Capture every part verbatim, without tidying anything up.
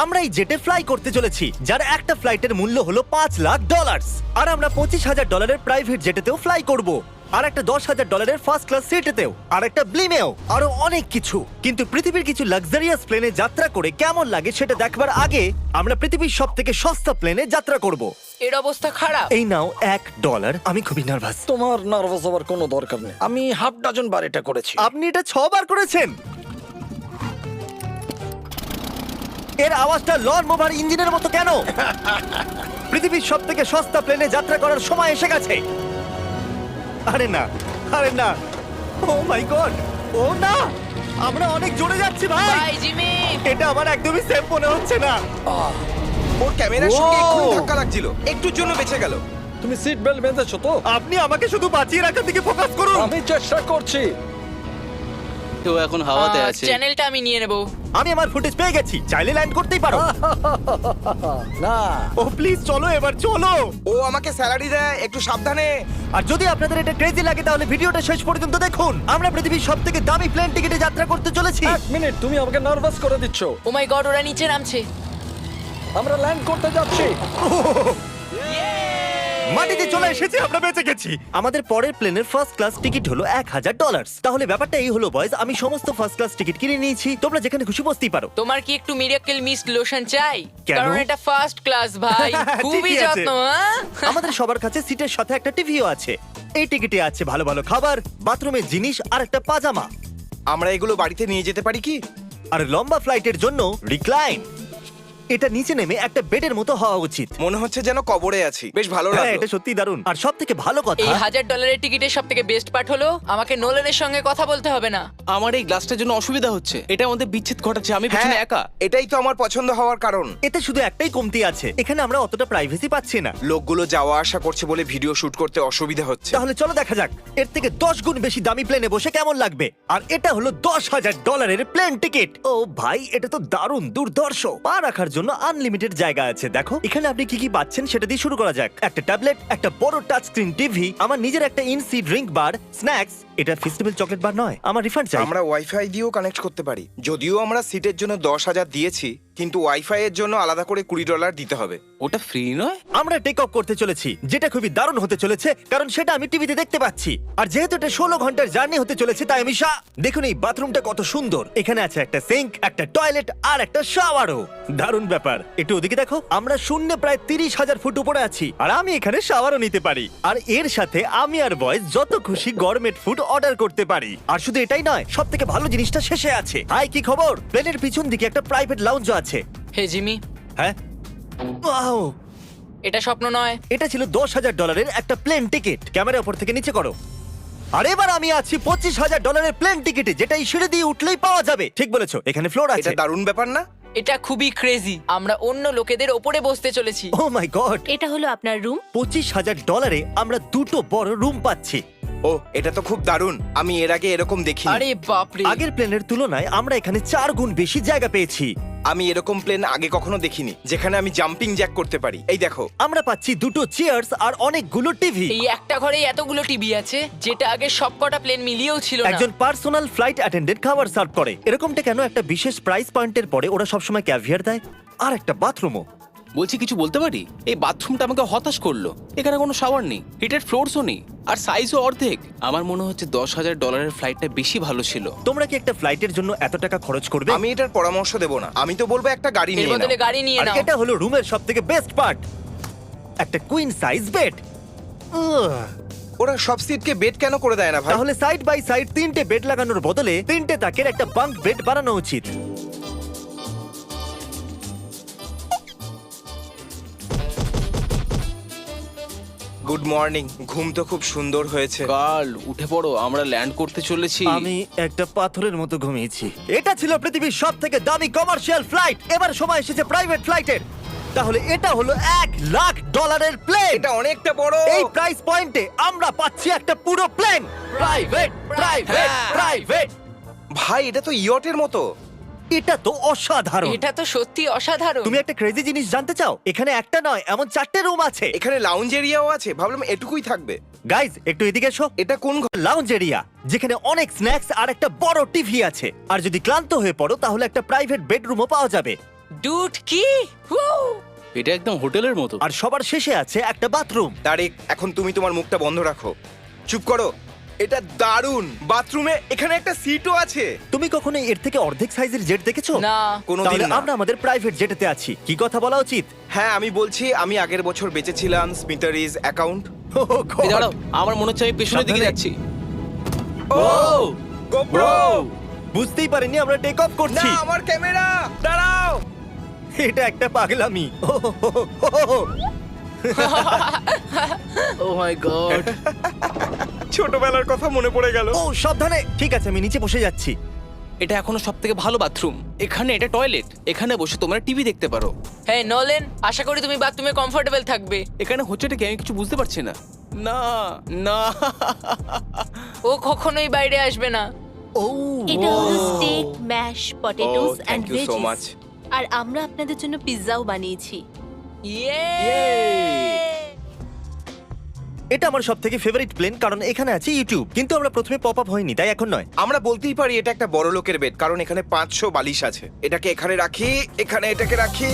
আমরা এই জেটে ফ্লাই করতে চলেছি, যার একটা ফ্লাইটের মূল্য হলো পাঁচ লাখ ডলার। আর আমরা পঁচিশ হাজার ডলারের প্রাইভেট জেটেতেও ফ্লাই করব, আর একটা দশ হাজার ডলারের ফার্স্ট ক্লাস সিটেতেও, আর একটা ব্লিমেও, আরো অনেক কিছু। কিন্তু পৃথিবীর কিছু লাক্সারিয়াস প্লেনে যাত্রা করে কেমন লাগে সেটা দেখবার আগে আমরা পৃথিবীর সব থেকে সস্তা প্লেনে যাত্রা করব। এর অবস্থা খারাপ। এই নাও এক ডলার। আমি খুবই নার্ভাস। তোমার নার্ভাস হওয়ার কোনো দরকার নেই, আমি হাফ ডজন বার এটা করেছি। আপনি এটা ছবার করেছেন। এর আওয়াজটা লন মোভার ইঞ্জিনের মতো কেন? পৃথিবীর সব থেকে সস্তা প্লেনে যাত্রা করার সময় এসে গেছে। আরে না, আরে না, ও মাই গড, ও না, আমরা অনেক জোরে যাচ্ছি ভাই। Bye Jimmy. এটা আমার একদমই সেফ মনে হচ্ছে না। ওর ক্যামেরার সঙ্গে Wow! এক্ষুনি ধাক্কা লাগছিল, একটুর জন্য বেঁচে গেল। তুমি সিট বেল্ট বেঁধেছো তো? আপনি আমাকে শুধু বাঁচিয়ে রাখার দিকে ফোকাস করুন। আমি চেষ্টা করছি। তো এখন হাওয়াতে আহ, আছে। চ্যানেলটা আমি নিয়ে নেব। আমি আমার ফুটেজ পেয়ে গেছি, চাইলে ল্যান্ড করতেই পারো। না, ও প্লিজ চলো, এবার চলো। ও আমাকে স্যালারি দেয়, একটু সাবধানে। আর যদি আপনাদের এটা ক্রেজি লাগে তাহলে ভিডিওটা শেষ পর্যন্ত দেখুন। আমরা পৃথিবীর সব থেকে দামি প্লেন টিকিটে যাত্রা করতে চলেছি। এক মিনিট, তুমি আমাকে নার্ভাস করে দিচ্ছ। ও মাই গড, ওরা নিচে নামছে। আমরা ল্যান্ড করতে যাচ্ছি। মাটিতে চলে এসেছি, আমরা বেঁচে গেছি। আমাদের পরের প্লেনের ফার্স্ট ক্লাস টিকিট হলো এক হাজার ডলার। তাহলে ব্যাপারটা এই হলো বয়স, আমি সমস্ত ফার্স্ট ক্লাস টিকিট কিনে নিয়েছি, তোমরা যেখানে খুশি বসতেই পারো। তোমার কি একটু মিরাকেল মিস্ট লোশন চাই? কেন? কারণ এটা ফার্স্ট ক্লাস ভাই, খুবই ঠিকই আছে। যত্ন। হ্যাঁ? আমাদের সবার কাছে সিটের সাথে একটা টিভিও আছে। এই টিকিটে আছে ভালো ভালো খাবার, বাথরুমের জিনিস আর একটা পাজামা। আমরা এগুলো বাড়িতে নিয়ে যেতে পারি কি? আর লম্বা ফ্লাইটের জন্য রিক্লাইন। এটা নিচে নেমে একটা বেডের মতো হওয়া উচিত। মনে হচ্ছে যেন কবরে আছি, বেশ ভালো হ্যাঁ, লাগলো। এটা সত্যি দারুণ। আর সব থেকে ভালো কথা, এই হাজার ডলারের টিকিটের সব থেকে বেস্ট পার্ট হলো আমাকে নোলেনের সঙ্গে কথা বলতে হবে না। আমার এই গ্লাসটার জন্য অসুবিধা হচ্ছে, এটা আমাদের বিচ্ছেদ ঘটাচ্ছে। আমি হ্যাঁ, পেছনে একা। এটাই তো আমার পছন্দ হওয়ার কারণ। এতে শুধু একটাই কমতি আছে, এখানে আমরা অতটা প্রাইভেসি পাচ্ছি না। লোকগুলো যাওয়া আসা করছে বলে ভিডিও শুট করতে অসুবিধা হচ্ছে। তাহলে চলো দেখা যাক এর থেকে দশ গুণ বেশি দামি প্লেনে বসে কেমন লাগবে। আর এটা হলো দশ হাজার ডলারের প্লেন টিকিট। ও ভাই, এটা তো দারুণ দুর্ধর্ষ। পা রাখার জন্য আনলিমিটেড জায়গা আছে। দেখো এখানে আপনি কি কি পাচ্ছেন সেটা দিয়ে শুরু করা যাক। একটা ট্যাবলেট, একটা বড় টাচ স্ক্রিন টিভি, আমার নিজের একটা ইনসি ড্রিঙ্ক বার, স্ন্যাক্স। এটা ফেস্টিভ্যাল চকলেট বার নয়, আমার রিফান্ড চাই। আমরা ওয়াইফাই দিয়েও কানেক্ট করতে পারি। যদিও আমরা সিটের জন্য দশ হাজার দিয়েছি, কিন্তু ওয়াইফাই এর জন্য আলাদা করে কুড়ি ডলার দিতে হবে। ওটা ফ্রি নয়? আমরা টেক অফ করতে চলেছি, যেটা খুবই দারুণ হতে চলেছে, কারণ সেটা আমি টিভিতে দেখতে পাচ্ছি। আর যেহেতু এটা ষোলো ঘন্টার জার্নি হতে চলেছে, তাই আমি শা- দেখুন এই বাথরুমটা কত সুন্দর। এখানে আছে একটা সিঙ্ক, একটা টয়লেট আর একটা শাওয়ারও। দারুণ ব্যাপার। একটু ওদিকে দেখো, আমরা শূন্যে প্রায় তিরিশ হাজার ফুট উপরে আছি, আর আমি এখানে শাওয়ারও নিতে পারি। আর এর সাথে আমি আর বয়েজ যত খুশি গরমেট ফুড অর্ডার করতে পারি। আর শুধু এটাই নয়, সব থেকে ভালো জিনিসটা শেষে আছে। হাই, কি খবর? প্লেনের পিছন দিকে একটা প্রাইভেট লাউঞ্জও আছে। হে জিমি, হ্যাঁ, ওয়াও, এটা স্বপ্ন নয়। এটা ছিল দশ হাজার ডলারের একটা প্লেন টিকিট। ক্যামেরা উপর থেকে নিচে করো। আর এবার আমি আছি পঁচিশ হাজার ডলারের প্লেন টিকিটে, যেটা এই সিঁড়ি দিয়ে উঠলেই পাওয়া যাবে। ঠিক বলেছো, এখানে ফ্লোর আছে। এটা দারুণ ব্যাপার না? এটা খুবই ক্রেজি। আমরা অন্য লোকেদের ওপরে বসতে চলেছি। ও মাই গড, এটা হলো আপনার রুম। পঁচিশ হাজার ডলারে আমরা দুটো বড় রুম পাচ্ছি। ও, এটা তো খুব দারুণ। আমি এর আগে এরকম দেখিনি। আরে বাপরে। আগের প্লেনের তুলনায় আমরা এখানে চার গুণ বেশি জায়গা পেয়েছি। আমি এরকম প্লেন আগে কখনো দেখিনি যেখানে আমি জাম্পিং জ্যাক করতে পারি। এই দেখো, আমরা পাচ্ছি দুটো চেয়ার্স আর অনেকগুলো টিভি। এই একটা ঘরে এতগুলো টিভি আছে, যেটা আগে সবকটা প্লেন মিলিয়েও ছিল না। একজন পার্সোনাল ফ্লাইট অ্যাটেন্ডেন্ট খাবার সার্ভ করে। এরকমটা কেন? একটা বিশেষ প্রাইস পয়েন্টের পরে ওরা সবসময় ক্যাভিয়ার দেয়। আর একটা বাথরুমও। বলছি কিছু বলতে পারি? এই বাথরুমটা আমাকে হতাশ করলো। এখানে কোনো শাওয়ার নেই, হিটেড ফ্লোরসও নেই, আর সাইজও অর্ধেক। আমার মনে হচ্ছে দশ হাজার ডলারের ফ্লাইটটা বেশি ভালো ছিল। তোমরা কি একটা ফ্লাইটের জন্য এত টাকা খরচ করবে? আমি এটার পরামর্শ দেব না। আমি তো বলবো একটা গাড়ি এর নিয়ে বদলে নাও। গাড়ি নিয়ে আর নাও। এটা হলো রুমের সবথেকে বেস্ট পার্ট, একটা কুইন সাইজ বেড। ওরা সব সিটকে বেড কেন করে দেয় না ভাই? তাহলে সাইড বাই সাইড তিনটে বেড লাগানোর বদলে তিনটে তাকের একটা বাঙ্ক বেড বানানো উচিত। Good morning. ঘুম তো খুব সুন্দর হয়েছে। কাল উঠে পড়ো, আমরা ল্যান্ড করতে চলেছি। আমি একটা পাথরের মতো ঘুমিয়েছি। এটা ছিল পৃথিবীর সব থেকে দামি কমার্শিয়াল ফ্লাইট। এবার সময় এসেছে প্রাইভেট ফ্লাইটের। তাহলে এটা হলো এক লাখ ডলারের প্লেন। এটা অনেকটা বড়। এই প্রাইস পয়েন্টে আমরা পাচ্ছি একটা পুরো প্লেন। Private, private, private. ভাই, এটা তো ইয়টের মতো। এটা তো অসাধারণ। এটা তো সত্যি অসাধারণ। তুমি একটা ক্রেজি জিনিস জানতে চাও? এখানে একটা নয়, এমন চারটে রুম আছে। এখানে লাউঞ্জ এরিয়াও আছে। ভাবলাম এটুকুই থাকবে। গাইজ, একটু এদিকে এসো। এটা কোন ঘর? লাউঞ্জ এরিয়া, যেখানে অনেক স্ন্যাক্স আর একটা বড় টিভি আছে। আর যদি ক্লান্ত হয়ে পড়ো তাহলে একটা প্রাইভেট বেডরুমও পাওয়া যাবে। ডুড কি Woo! এটা একদম হোটেলের মতো। আর সবার শেষে আছে একটা বাথরুম। তারিক, এখন তুমি তোমার মুখটা বন্ধ রাখো। চুপ করো। এটা দারুণ। বাথরুমে এখানে একটা সিটও আছে। তুমি কখনো এর থেকে অর্ধেক সাইজের জেট দেখেছো? না কোনোদিন তাহলে না। আমরা আমাদের প্রাইভেট জেটেতে আছি, কি কথা বলা উচিত? হ্যাঁ, আমি বলছি আমি আগের বছর বেঁচেছিলাম স্মিটারিজ অ্যাকাউন্ট। এই দাঁড়াও, আমার মনে হচ্ছে আমি পেছনের দিকে সাবধানে। যাচ্ছি। Oh GoPro! বুঝতেই পারিনি আমরা টেক অফ না, করছি। আমার ক্যামেরা! দাঁড়াও! এটা একটা পাগলামি। ও, হো, হো, হো, হো, হো। Oh my god. ছোটবেলার কথা মনে পড়ে গেল। ও সাবধানে। ঠিক আছে, আমি নিচে বসে যাচ্ছি। এটা এখনো সবথেকে ভালো বাথরুম। এখানে এটা টয়লেট, এখানে বসে তোমরা টিভি দেখতে পারো। হ্যাঁ নলেন, আশা করি তুমি বাথরুমে কমফোর্টেবল থাকবে। এখানে হচ্ছেটা কি আমি কিছু বুঝতে পারছি না। না না ও কখনোই বাইরে আসবে না। ও এটা হলো steak, mash, potatoes Oh, and thank you so veggies. much. আর আমরা আপনাদের জন্য পিৎজাও বানিয়েছি। ইয়ে এটা আমার সব থেকে ফেভারিট প্লেন, কারণ এখানে আছে ইউটিউব। কিন্তু আমরা প্রথমে পপ আপ হয়নি, তাই এখন নয়। আমরা বলতেই পারি এটা একটা বড় লোকের বেড, কারণ এখানে পাঁচশো বালিশ আছে। এটাকে এখানে রাখি, এখানে এটাকে রাখি।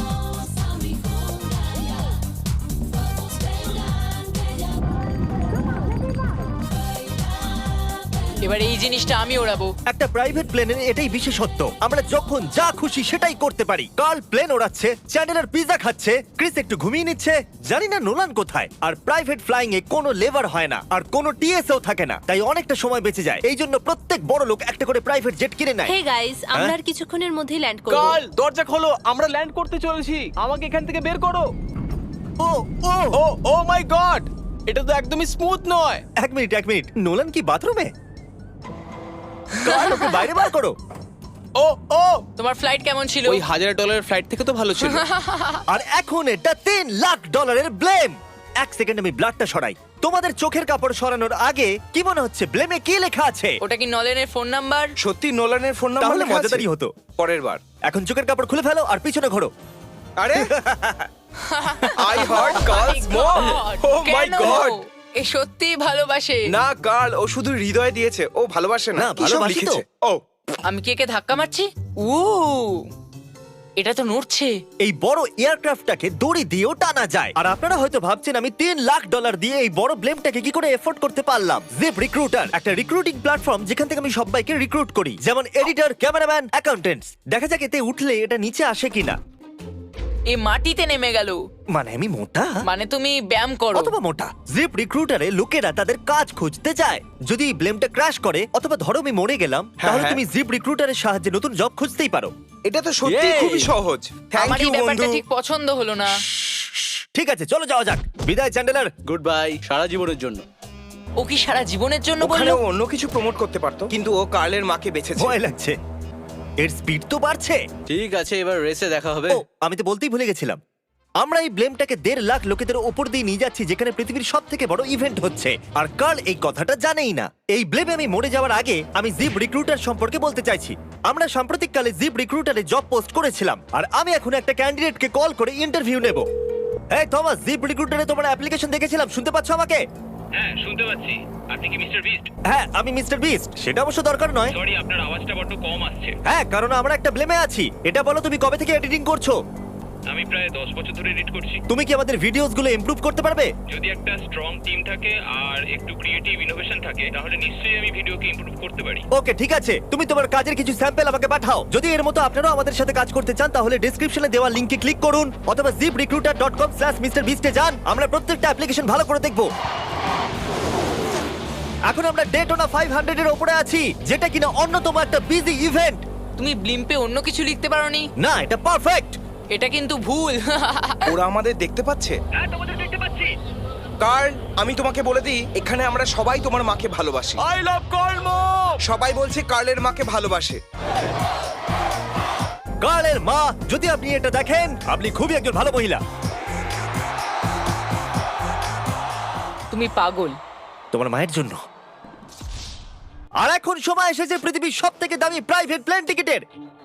এবার এই জিনিসটা আমি ওড়াবো। একটা প্রাইভেট প্লেনের এটাই বিশেষত্ব, আমরা যখন যা খুশি সেটাই করতে পারি। কার্ল প্লেন ওড়াচ্ছে, চ্যান্ডেলার পিৎজা খাচ্ছে, ক্রিস একটু ঘুমিয়ে নিচ্ছে, জানি না নোলান কোথায়। আর প্রাইভেট ফ্লাইং এ কোনো লেবার হয় না, আর কোনো টিএসও থাকে না, তাই অনেকটা সময় বেঁচে যায়। এই জন্য প্রত্যেক বড় লোক একটা করে প্রাইভেট জেট কিনে নেয়। হে গাইস, আমরা হ্যাঁ? আর কিছুক্ষণের মধ্যেই ল্যান্ড করব। কাল দরজা খোলো, আমরা ল্যান্ড করতে চলেছি। আমাকে এখান থেকে বের করো। ও ও ও ও মাই গড, এটা তো একদমই স্মুথ নয়। এক মিনিট এক মিনিট নোলান কি বাথরুমে? কার্ল, ওকে বাইরে বার করো। ও ও তোমার ফ্লাইট কেমন ছিল? ওই হাজার ডলারের ফ্লাইট থেকে তো ভালো ছিল। আর এখন এটা তিন লাখ ডলারের ব্লেম। এক সেকেন্ড আমি ব্লাডটা সরাই। তোমাদের চোখের কাপড় সরানোর আগে কি মনে হচ্ছে ব্লেমে কি লেখা আছে? ওটা কি নলেনের ফোন নাম্বার? সত্যি নোলানের ফোন নাম্বার তাহলে লেখা আছে? মজাদারই হতো। পরের বার। এখন চোখের কাপড় খুলে ফেলো আর পিছনে ঘোরো। আরে I hurt girls more. Oh my কেন? গড! এ সত্যি ভালোবাসে। না গার্ল, ও শুধু হৃদয় দিয়েছে, ও ভালোবাসে না। না, কি সব ভালোবাসি তো। লিখেছে? ও আমি কি একে ধাক্কা মারছি? উ এটা তো নড়ছে। এই বড় এয়ারক্রাফটটাকে দড়ি দিয়েও টানা যায়। আর আপনারা হয়তো ভাবছেন আমি তিন লাখ ডলার দিয়ে এই বড় ব্লেমটাকে কি করে এফোর্ড করতে পারলাম। জিপ রিক্রুটার একটা রিক্রুটিং প্ল্যাটফর্ম যেখান থেকে আমি সবাইকে রিক্রুট করি, যেমন এডিটর, ক্যামেরাম্যান, অ্যাকাউন্টেন্টস। দেখা যাক এতে উঠলে এটা নিচে আসে কিনা। এ মাটিতে নেমে গেল। মানে আমি মোটা মানে তুমি ব্যায়াম করো। অথবা মোটা। জিপ রিক্রুটারে লোকেরা তাদের কাজ খুঁজতে যায়। যদি এই ব্লেমটা ক্র্যাশ করে অথবা ধরো আমি মরে গেলাম, তাহলে হ্যাঁ। তুমি জিপ রিক্রুটারের সাহায্যে নতুন জব খুঁজতেই পারো। এটা তো সত্যি Yay! খুবই সহজ। থ্যাংক আমার ইউ এই ব্যাপারটা বন্ধু। ঠিক পছন্দ হলো না। ঠিক আছে, চলো যাওয়া যাক। বিদায় চ্যান্ডেলার। গুড বাই, সারা জীবনের জন্য। ও কি সারা জীবনের জন্য ওখানে বললো? ও অন্য কিছু প্রমোট করতে পারতো, কিন্তু ও কার্লের মাকে বেঁচেছে। ভয় লাগছে। এর স্পিড তো বাড়ছে। ঠিক আছে, এবার রেসে দেখা হবে। ও, আমি তো বলতেই ভুলে গেছিলাম। আমরা এই ব্লেমটাকে দেড় লাখ লোকেদের ওপর দিয়ে নিয়ে যাচ্ছি, যেখানে পৃথিবীর সব থেকে বড় ইভেন্ট হচ্ছে। আর কার্ল এই কথাটা জানেই না। এই ব্লেমে আমি মরে যাওয়ার আগে আমি জিপ রিক্রুটার সম্পর্কে বলতে চাইছি। আমরা সাম্প্রতিককালে জিপ রিক্রুটারে জব পোস্ট করেছিলাম, আর আমি এখন একটা ক্যান্ডিডেটকে কল করে ইন্টারভিউ নেব। এই থমাস, জিপ রিক্রুটারে তোমার অ্যাপ্লিকেশন দেখেছিলাম, শুনতে পাচ্ছ আমাকে? হ্যাঁ শুনতে পাচ্ছি। আপনি কি মিস্টার বিস্ট? হ্যাঁ, আমি মিস্টার বিস্ট। সেটা অবশ্য দরকার নয়। সরি, আপনার আওয়াজটা বড্ড কম আসছে। হ্যাঁ, কারণ আমরা একটা ব্লেমে আছি। এটা বলো, তুমি কবে থেকে এডিটিং করছো? আমি প্রায় দশ বছর ধরে এডিট করছি। তুমি কি আমাদের ভিডিওস গুলো ইমপ্রুভ করতে পারবে? যদি একটা স্ট্রং টিম থাকে আর একটু ক্রিয়েটিভ ইনোভেশন থাকে, তাহলে নিশ্চয়ই আমি ভিডিওকে ইমপ্রুভ করতে পারি। ওকে, ঠিক আছে। তুমি তোমার কাজের কিছু স্যাম্পল আমাকে পাঠাও। যদি এর মতো আপনারাও আমাদের সাথে কাজ করতে চান, তাহলে ডেসক্রিপশনে দেওয়া লিংকে ক্লিক করুন অথবা ZipRecruiter dot com slash mister বিস্টে যান। আমরা প্রত্যেকটা অ্যাপ্লিকেশন ভালো করে দেখব। এখন আমরা ডেটোনা ফাইভ হান্ড্রেড এর উপরে আছি, যেটা কিনা অন্যতম একটা বিজি ইভেন্ট। তুমি ব্লিম্পে অন্য কিছু লিখতে পারোনি? না, এটা পারফেক্ট। এটা কিন্তু ভুল। ওরা আমাদের দেখতে পাচ্ছে। হ্যাঁ, তোমাদের দেখতে পাচ্ছি। কার্ল, আমি তোমাকে বলে দিই, এখানে আমরা সবাই তোমার মাকে ভালোবাসি। আই লাভ কর্ম। সবাই বলছে কার্লের মাকে ভালোবাসে। কার্লের মা, যদি আপনি এটা দেখেন, আপনি খুবই একজন ভালো মহিলা। তুমি পাগল। তোমার মায়ের জন্য। আর এখন সময় এসেছে পৃথিবীর সব থেকে দামি প্রাইভেট প্লেন টিকিটের।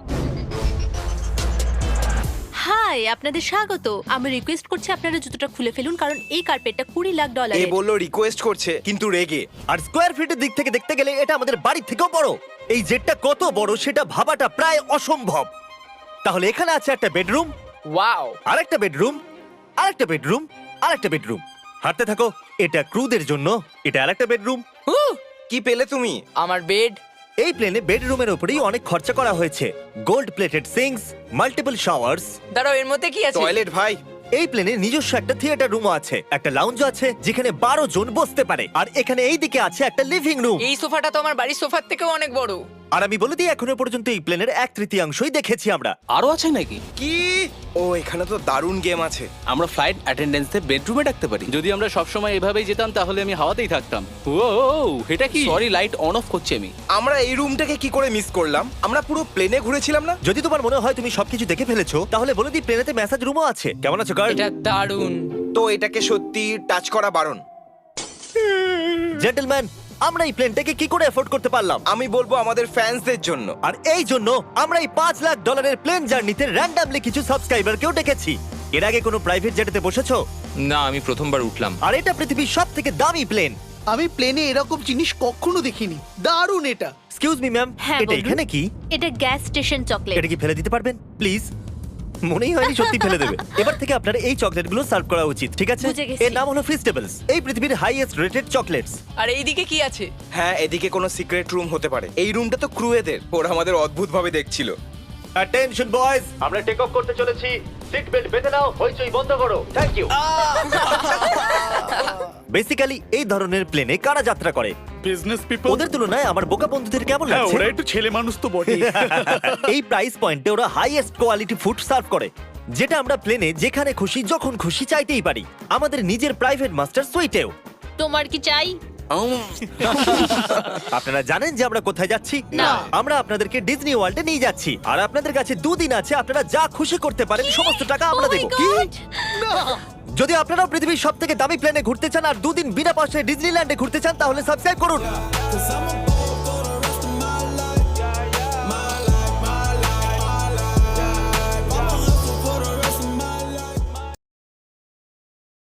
হাই, আপনাদের স্বাগত। আমি রিকোয়েস্ট করছি আপনারা জুতোটা খুলে ফেলুন, কারণ এই কার্পেটটা কুড়ি লাখ এ ডলারের। বললো রিকোয়েস্ট করছে, কিন্তু রেগে। আর স্কোয়ার ফিটের দিক থেকে দেখতে গেলে এটা আমাদের বাড়ির থেকেও বড়। এই জেটটা কত বড় সেটা ভাবাটা প্রায় অসম্ভব। তাহলে এখানে আছে একটা বেডরুম, ওয়াও, আরেকটা বেডরুম, আরেকটা বেডরুম, আরেকটা বেডরুম। হাঁটতে থাকো। এটা ক্রুদের জন্য, এটা আরেকটা বেডরুম। কি পেলে তুমি? আমার বেড। এই প্লেনে বেডরুমের উপরেই অনেক খরচা করা হয়েছে। Gold plated sinks, multiple showers. দাঁড়াও, এর মধ্যে কি আছে? টয়লেট ভাই। এই প্লেনে নিজস্ব একটা থিয়েটার রুমও আছে, একটা লাউঞ্জ আছে যেখানে বারো জন বসতে পারে, আর এখানে এই দিকে আছে একটা লিভিং রুম। এই সোফাটা তো আমার বাড়ির সোফার থেকেও অনেক বড়। আর আমি বলে দিই, এখনো পর্যন্ত এই প্লেনের এক তৃতীয়াংশই দেখেছি আমরা। আরো আছে নাকি? কি? ও এখানে তো দারুণ গেম আছে। আমরা ফ্লাইট অ্যাটেন্ডেন্সে বেডরুমে ডাকতে পারি। যদি আমরা সবসময় এভাবেই যেতাম তাহলে আমি হাওয়াতেই থাকতাম। ও এটা কি? সরি, লাইট অন অফ করছি আমি। আমরা এই রুমটাকে কি করে মিস করলাম? আমরা পুরো প্লেনে ঘুরেছিলাম না? যদি তোমার মনে হয় তুমি সবকিছু দেখে ফেলেছো, তাহলে বলে দিই প্লেনেতে ম্যাসাজ রুমও আছে। কেমন আছো গার্ল? এটা দারুণ। তো এটাকে সত্যি টাচ করা বারণ। জেন্টলম্যান, আমরা এই প্লেনটাকে কি করে এফোর্ড করতে পারলাম? আমি বলবো আমাদের ফ্যান্সদের জন্য। আর এই জন্য আমরা এই পাঁচ লাখ ডলারের প্লেন জার্নিতে র্যান্ডামলি কিছু সাবস্ক্রাইবারকেও ডেকেছি। এর আগে কোনো প্রাইভেট জেটেতে বসেছো? না, আমি প্রথমবার উঠলাম। আর এটা পৃথিবীর সব থেকে দামি প্লেন। আমি প্লেনে এরকম জিনিস কখনো দেখিনি। দারুণ এটা। এক্সকিউজ মি ম্যাম, হ্যাঁ, এটা বলুন। এখানে কি? এটা গ্যাস স্টেশন চকলেট। এটা কি ফেলে দিতে পারবেন প্লিজ? মনেই হয়নি সত্যি ফেলে দেবে। এবার থেকে আপনার এই চকলেটগুলো সার্ভ করা উচিত, ঠিক আছে? বুঝে গেছি। এর নাম হলো ফিস্টেবলস, এই পৃথিবীর হাইয়েস্ট রেটেড চকলেটস। আর এইদিকে কি আছে? হ্যাঁ, এদিকে কোনো সিক্রেট রুম হতে পারে। এই রুমটা তো ক্রুয়েদের। ওরা আমাদের অদ্ভুত ভাবে দেখছিল। অ্যাটেনশন বয়েজ, আমরা টেক অফ করতে চলেছি। সিট বেল্ট বেঁধে নাও, হইচই বন্ধ করো। Thank you. বেসিক্যালি এই ধরনের প্লেনে কারা যাত্রা করে? Business people. ওদের তুলনায় আমার বোকা বন্ধুদের কেমন হ্যাঁ, লাগছে? ওরা একটু ছেলে মানুষ তো বটে। এই প্রাইস পয়েন্টে ওরা হাইয়েস্ট কোয়ালিটি ফুড সার্ভ করে, যেটা আমরা প্লেনে যেখানে খুশি যখন খুশি চাইতেই পারি। আমাদের নিজের প্রাইভেট মাস্টার সুইটেও। তোমার কি চাই? আপনারা জানেন যে আমরা কোথায় যাচ্ছি? না। আমরা আপনাদেরকে ডিজনি ওয়ার্ল্ডে নিয়ে যাচ্ছি, আর আপনাদের কাছে দুদিন আছে। আপনারা যা খুশি করতে পারেন, সমস্ত টাকা আমরা Oh my দেবো। God! যদি আপনারাও পৃথিবীর সব থেকে দামি প্লেনে ঘুরতে চান আর দুদিন বিনা পয়সায় ডিজনিল্যান্ডে ঘুরতে চান, তাহলে সাবস্ক্রাইব করুন।